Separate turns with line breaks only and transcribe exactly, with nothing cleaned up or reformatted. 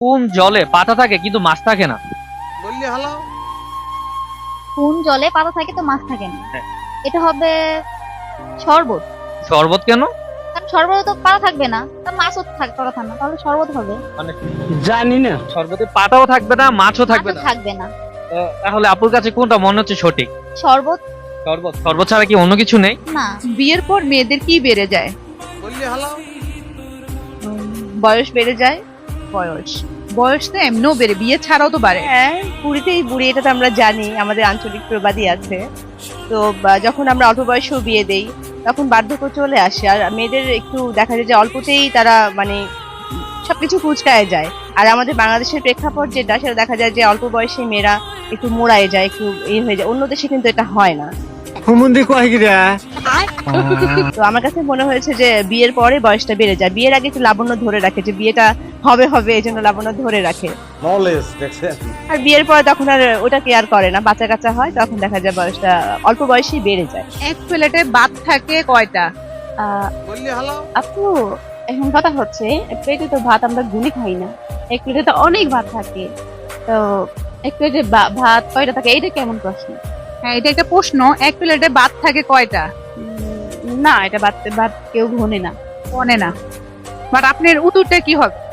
কোন জলে পাতা থাকে কিন্তু মাছ থাকে না?
বললি হালাও।
কোন জলে পাতা থাকে তো মাছ থাকে না?
হ্যাঁ।
এটা হবে শরবত।
শরবত কেন?
কারণ শরবতে তো পাতা থাকবে না, তা মাছও থাকবে কথা না, তাহলে শরবত হবে।
মানে
জানি না।
শরবতে পাতাও থাকবে না, মাছও থাকবে
মাছও
না।
থাকবে না।
তো তাহলে আপুর কাছে কোনটা মনে হচ্ছে সঠিক?
শরবত।
শরবত। শরবত ছাড়া কি অন্য কিছু নেই?
না।
বিয়ের পর মেয়েদের কি বেড়ে যায়?
বললি হালাও।
বয়স বেড়ে যায়। বয়স বয়স তো এমনিও বেড়ে, বিয়ে ছাড়াও তো বাড়ে।
হ্যাঁ, বুড়িতেই বুড়ি, এটা তো আমরা জানি, আমাদের আঞ্চলিক প্রবাদই আছে। তো বা, যখন আমরা অল্প বয়সেও বিয়ে দেই তখন বার্ধক্য চলে আসে, আর মেয়েদের একটু দেখা যায় যে অল্পতেই তারা মানে সবকিছু কুচকায় যায়। আর আমাদের বাংলাদেশের প্রেক্ষাপট যেটা, সেটা দেখা যায় যে অল্প বয়সে মেয়েরা একটু মোড়ায় যায়, একটু এই হয়ে যায়। অন্য দেশে কিন্তু এটা হয় না।
হুমুন্দি কয় গিরা।
তো আমার কাছে মনে হয়েছে যে বিয়ের পরে বয়সটা বেড়ে যায়, বিয়ের আগে একটু লাবণ্য ধরে রাখে, যে বিয়েটা হবে হবে এই জন্য লাবণ্য ধরে রাখে।
নলেজ দেখছেন।
আর বিয়ের পরে তখন আর ওটা কেয়ার করে না, বাচ্চা কাচ্চা হয়, তখন দেখা যায় বয়সটা অল্প বয়সেই বেড়ে যায়।
এক প্লেটে ভাত থাকে কয়টা?
আহ,
বললি হালাও।
আপু, এখন কথা হচ্ছে প্লেটে তো ভাত আমরা গুলি খাই না, এক প্লেটে তো অনেক ভাত থাকে। তো এক প্লেটে ভাত কয়টা থাকে, এইটা কেমন প্রশ্ন?
হ্যাঁ, এটা একটা প্রশ্ন। এক প্লেটে ভাত থাকে কয়টা?
উম, না, এটা ভাত ভাত কেউ ঘনে না।
মনে না, বাট আপনার উত্তরটা কি হবে?